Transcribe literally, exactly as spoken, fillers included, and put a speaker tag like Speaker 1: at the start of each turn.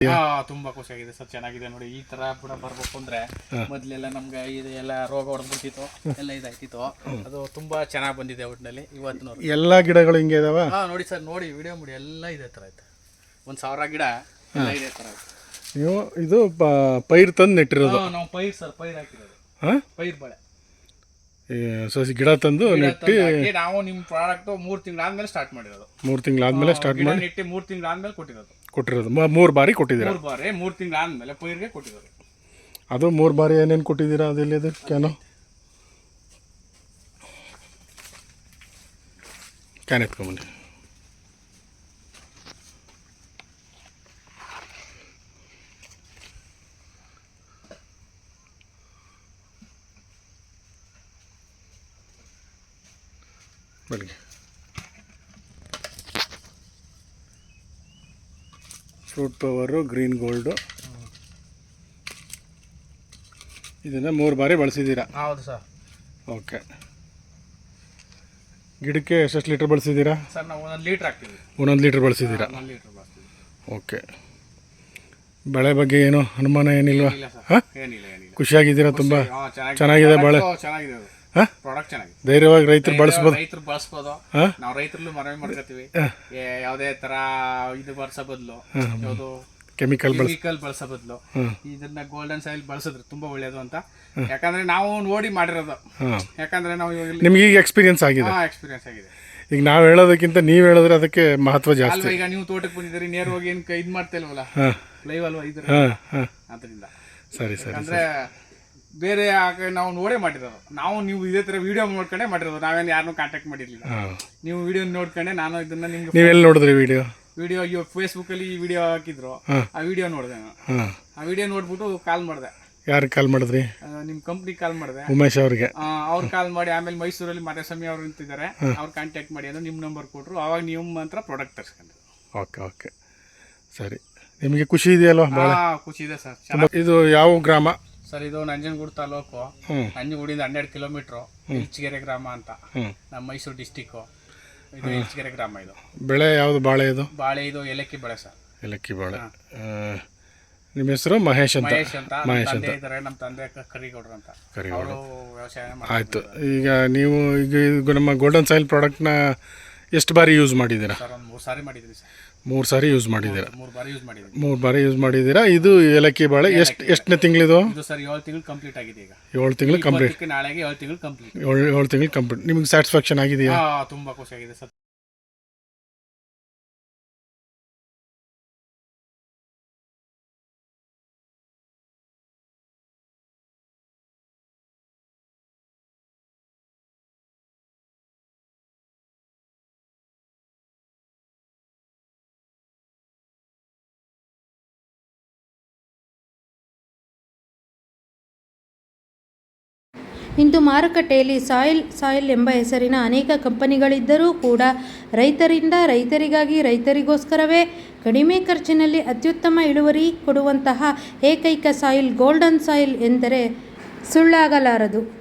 Speaker 1: ಹಾ ತುಂಬಾ ಖುಷಿಯಾಗಿದೆ ಸರ್, ಚೆನ್ನಾಗಿದೆ ನೋಡಿ. ಈ ತರ ಕೂಡ ಬರ್ಬೇಕು ಅಂದ್ರೆ ಮೊದ್ಲೆಲ್ಲ ನಮ್ಗೆ ಇದೆಲ್ಲ ರೋಗ ಹೊಡೆದ್ಬಿಟ್ಟಿತ್ತು, ಎಲ್ಲ ಇದಾಯ್ತಿತ್ತು. ಅದು ತುಂಬಾ ಚೆನ್ನಾಗಿ ಬಂದಿದೆ ಒಟ್ಟಿನಲ್ಲಿ ಇವತ್ತು.
Speaker 2: ಎಲ್ಲಾ ಗಿಡಗಳು ಹಿಂಗೆ ಇದಾವ.
Speaker 1: ಹಾ ನೋಡಿ ಸರ್, ನೋಡಿ ವಿಡಿಯೋ ಮಾಡಿ, ಎಲ್ಲ ಇದೇ ತರ ಆಯ್ತು. ಒಂದ್ ಸಾವಿರ ಗಿಡ ಎಲ್ಲ ಇದೇ ತರ ಆಯ್ತು.
Speaker 2: ನೀವು ಇದು ಪೈರ್ ತಂದು ನೆಟ್ಟಿರೋದು?
Speaker 1: ನಾವು ಪೈರ್ ಸರ್, ಪೈರ್ ಹಾಕಿರೋದು.
Speaker 2: ಹಾ
Speaker 1: ಪೈರ್ ಬಳೆ
Speaker 2: ಸಸಿ ಗಿಡ ತಂದು ನೆಟ್ಟಿ
Speaker 1: ನಾವು ನಿಮ್ ಪ್ರಾಡಕ್ಟ್ ಮೂರ್ ತಿಂಗಳಾದ್ಮೇಲೆ ಸ್ಟಾರ್ಟ್ ಮಾಡಿರೋದು.
Speaker 2: ಮೂರ್ ತಿಂಗಳಾದ್ಮೇಲೆ ಸ್ಟಾರ್ಟ್ ಮಾಡಿ
Speaker 1: ನೆಟ್ಟಿ ಮೂರ್ ತಿಂಗಳಾದ್ಮೇಲೆ ಕೊಟ್ಟಿರೋದು.
Speaker 2: ಕೊಟ್ಟಿರೋದು ಮೂರು ಬಾರಿ ಕೊಟ್ಟಿದ್ದೀರಾ?
Speaker 1: ಮೂರು ಬಾರಿ ಮೂರು ತಿಂಗಳಾದ್ಮೇಲೆ ಪೈರ್ಗೆ ಕೊಟ್ಟಿರೋದು.
Speaker 2: ಅದು ಮೂರು ಬಾರಿ ಏನೇನು ಕೊಟ್ಟಿದ್ದೀರಾ? ಅದೆಲ್ಲಿದೆ ಕ್ಯಾನು? ಕ್ಯಾನ್ ಎತ್ಕೊಂಬನ್ನಿ. ಬೆಳಿಗ್ಗೆ ಫ್ರೂಟ್ ಪವರು, ಗ್ರೀನ್ ಗೋಲ್ಡು, ಇದನ್ನು ಮೂರು ಬಾರಿ ಬಳಸಿದ್ದೀರಾ?
Speaker 1: ಹೌದು ಸರ್.
Speaker 2: ಓಕೆ. ಗಿಡಕ್ಕೆ ಎಷ್ಟೆಷ್ಟು ಲೀಟ್ರ್ ಬಳಸಿದ್ದೀರಾ?
Speaker 1: ಸರ್ ನಾವು ಒಂದೊಂದು ಲೀಟ್ರ್ ಹಾಕ್ತೀವಿ.
Speaker 2: ಒಂದೊಂದು ಲೀಟ್ರ್ ಬಳಸಿದ್ದೀರಾ?
Speaker 1: ಒಂದೊಂದು ಲೀಟ್ರ್ ಬಳಸ್ತೀವಿ.
Speaker 2: ಓಕೆ. ಬೆಳೆ ಬಗ್ಗೆ ಏನು ಅನುಮಾನ ಏನಿಲ್ವಾ?
Speaker 1: ಹಾಂ, ಏನಿಲ್ಲ ಏನಿಲ್ಲ.
Speaker 2: ಖುಷಿಯಾಗಿದ್ದೀರಾ? ತುಂಬ ಚೆನ್ನಾಗಿದೆ ಬೆಳೆ,
Speaker 1: ಚೆನ್ನಾಗಿದೆ. ಪ್ರಾಡಕ್ಟ್ ಚೆನ್ನಾಗಿದೆ.
Speaker 2: ಧೈರ್ಯವಾಗಿ ರೈತರು ಬಳಸ್ಬೋದು.
Speaker 1: ರೈತರು ಬಳಸ್ಬೋದು. ನಾವು ರೈತರಲ್ಲೂ ಮನವಿ ಮಾಡ್ಕೊತೀವಿ, ಯಾವುದೇ ತರ ಇದು ಬಳಸೋ ಬದಲು ಯಾವುದು
Speaker 2: ಕೆಮಿಕಲ್
Speaker 1: ಕೆಮಿಕಲ್ ಬಳಸೋ ಬದಲು ಇದನ್ನ ಗೋಲ್ಡನ್ ಸಾಯಿಲ್ ಬಳಸಿದ್ರೆ ತುಂಬಾ ಒಳ್ಳೇದು ಅಂತ. ಯಾಕಂದ್ರೆ ನಾವು ನೋಡಿ ಮಾಡಿರೋದು. ಯಾಕಂದ್ರೆ ನಾವು
Speaker 2: ನಿಮ್ಗೆ ಈಗ ಎಕ್ಸ್ಪೀರಿಯನ್ಸ್ ಆಗಿದೆ.
Speaker 1: ಎಕ್ಸ್ಪೀರಿಯನ್ಸ್ ಆಗಿದೆ. ಈಗ
Speaker 2: ನಾವು ಹೇಳೋದಕ್ಕಿಂತ ನೀವು ಹೇಳಿದ್ರೆ ಅದಕ್ಕೆ ಮಹತ್ವ ಜಾಸ್ತಿ.
Speaker 1: ಈಗ ನೀವು ತೋಟಕ್ಕೆ ಬಂದಿದ್ದೀರಿ, ನೇರವಾಗಿ ಏನು ಇದು ಮಾಡ್ತಾ ಇಲ್ವಲ್ಲ, ಲೈವ್ ಅಲ್ವಾ ಇದ್ರೆ, ಅದರಿಂದ.
Speaker 2: ಸರಿ ಸರಿ.
Speaker 1: ಅಂದ್ರೆ ಬೇರೆ ನಾವು ನೋಡೇ ಮಾಡಿರೋದು. ನಾವು ನೀವು ಇದೇ ತರ ವಿಡಿಯೋ ನೋಡ್ಕೊಂಡೆ ಮಾಡಿರೋದು. ನಾವೇನು ಯಾರನ್ನೂ ಕಾಂಟ್ಯಾಕ್ಟ್ ಮಾಡಿರ್ಲಿಲ್ಲ. ನೀವು ವಿಡಿಯೋ ನೋಡ್ಕೊಂಡೆ ನಾನು ಇದನ್ನ ನಿಮ್ಗೆ.
Speaker 2: ನೀವೆಲ್ಲಿ ನೋಡಿದ್ರಿ ವಿಡಿಯೋ?
Speaker 1: ವಿಡಿಯೋ ಇವಾಗ ಫೇಸ್ಬುಕ್ ಅಲ್ಲಿ ಈ ವಿಡಿಯೋ ಹಾಕಿದ್ರು, ಆ ವಿಡಿಯೋ ನೋಡಿದೆ ನಾನು. ಆ ವಿಡಿಯೋ ನೋಡ್ಬಿಟ್ಟು ಕಾಲ್ ಮಾಡಿದೆ.
Speaker 2: ಯಾರಿಗೆ ಕಾಲ್ ಮಾಡಿದ್ರಿ?
Speaker 1: ನಿಮ್ ಕಂಪ್ನಿ ಕಾಲ್ ಮಾಡಿದೆ,
Speaker 2: ಉಮೇಶ್ ಅವ್ರಿಗೆ.
Speaker 1: ಅವ್ರು ಕಾಲ್ ಮಾಡಿ ಆಮೇಲೆ ಮೈಸೂರಲ್ಲಿ ಮಾದೇಸ್ವಾಮಿ ಅವ್ರು ನಿಂತಿದ್ದಾರೆ, ಅವ್ರು ಕಾಂಟ್ಯಾಕ್ಟ್ ಮಾಡಿ ಅಂದ್ರೆ ನಿಮ್ಮ ನಂಬರ್ ಕೊಟ್ಟರು. ಅವಾಗ ನೀವು ಮಾತ್ರ ಪ್ರಾಡಕ್ಟ್ ತರಿಸ್ಕೊಂಡ್ರು.
Speaker 2: ಓಕೆ ಓಕೆ ಸರಿ. ನಿಮಗೆ ಖುಷಿ ಇದೆಯಲ್ವಾ?
Speaker 1: ಭಾಳ ಖುಷಿ ಇದೆ ಸರ್.
Speaker 2: ಇದು ಯಾವ ಗ್ರಾಮ
Speaker 1: ಸರ್? ಇದು ನಂಜನಗೂಡು ತಾಲೂಕು, ನಂಜನಗೂಡಿಂದ ಹನ್ನೆರಡು ಕಿಲೋಮೀಟ್ರು, ಇಲ್ಚಗೆರೆ ಗ್ರಾಮ ಅಂತ, ನಮ್ಮ ಮೈಸೂರು ಡಿಸ್ಟಿಕ್ಕು. ಇದು ಇಲ್ಚಗೆರೆ ಗ್ರಾಮ. ಇದು
Speaker 2: ಬೆಳೆ ಯಾವುದು? ಬಾಳೆ? ಇದು ಬಾಳೆ, ಇದು
Speaker 1: ಏಲಕ್ಕಿ ಬೆಳೆ ಸರ್.
Speaker 2: ಏಲಕ್ಕಿ ಬಾಳೆ. ನಿಮ್ಮ ಹೆಸರು? ಮಹೇಶ್ ಅಂತ.
Speaker 1: ಮಹೇಶ್ ಅಂತ ಮಹೇಶ್ ಅಂತ ಇದ್ದಾರೆ. ನಮ್ಮ ತಂದೆ ಕರಿಗೌಡರು ಅಂತ, ಅವರು ವ್ಯವಸಾಯ ಮಾಡ್ತಾರೆ.
Speaker 2: ಆಯಿತು. ಈಗ ನೀವು ಈಗ ನಮ್ಮ ಗೋಲ್ಡನ್ ಸಾಯಿಲ್ ಪ್ರಾಡಕ್ಟ್ನ ಎಷ್ಟು ಬಾರಿ ಯೂಸ್ ಮಾಡಿದ್ದೀರಾ?
Speaker 1: ಸರ್ ಒಂದು ಮೂರು ಸಾರಿ ಮಾಡಿದ್ರಿ ಸರ್.
Speaker 2: ಮೂರು ಸಾರಿ ಯೂಸ್ ಮಾಡಿದ್ದೀರಾ?
Speaker 1: ಮೂರು ಬಾರಿ ಯೂಸ್ ಮಾಡಿದ್ದೀವಿ.
Speaker 2: ಮೂರು ಬಾರಿ ಯೂಸ್ ಮಾಡಿದ್ದೀರಾ. ಇದು ಏಲಕ್ಕಿ ಬಾಳೆ ಎಷ್ಟು ಎಷ್ಟನೇ ತಿಂಗಳಿದು?
Speaker 1: ಇದು ಸರ್ ಏಳು ತಿಂಗಳು ಕಂಪ್ಲೀಟ್ ಆಗಿದೆ. ಈಗ
Speaker 2: ಏಳು ತಿಂಗಳು ಕಂಪ್ಲೀಟ್.
Speaker 1: ನಾಳೆಗೆ ಏಳು ತಿಂಗಳು ಕಂಪ್ಲೀಟ್.
Speaker 2: ಏಳು ಏಳು ತಿಂಗಳು ಕಂಪ್ಲೀಟ್. ನಿಮಗೆ ಸ್ಯಾಟಿಸ್ಫ್ಯಾಕ್ಷನ್ ಆಗಿದೆಯಾ?
Speaker 1: ತುಂಬ ಖುಷಿಯಾಗಿದೆ ಸರ್.
Speaker 3: ಇಂದು ಮಾರುಕಟ್ಟೆಯಲ್ಲಿ ಸಾಯಿಲ್ ಸಾಯಿಲ್ ಎಂಬ ಹೆಸರಿನ ಅನೇಕ ಕಂಪನಿಗಳಿದ್ದರೂ ಕೂಡ ರೈತರಿಂದ ರೈತರಿಗಾಗಿ ರೈತರಿಗೋಸ್ಕರವೇ ಕಡಿಮೆ ಖರ್ಚಿನಲ್ಲಿ ಅತ್ಯುತ್ತಮ ಇಳುವರಿ ಕೊಡುವಂತಹ ಏಕೈಕ ಸಾಯಿಲ್ ಗೋಲ್ಡನ್ ಸಾಯಿಲ್ ಎಂದರೆ ಸುಳ್ಳಾಗಲಾರದು.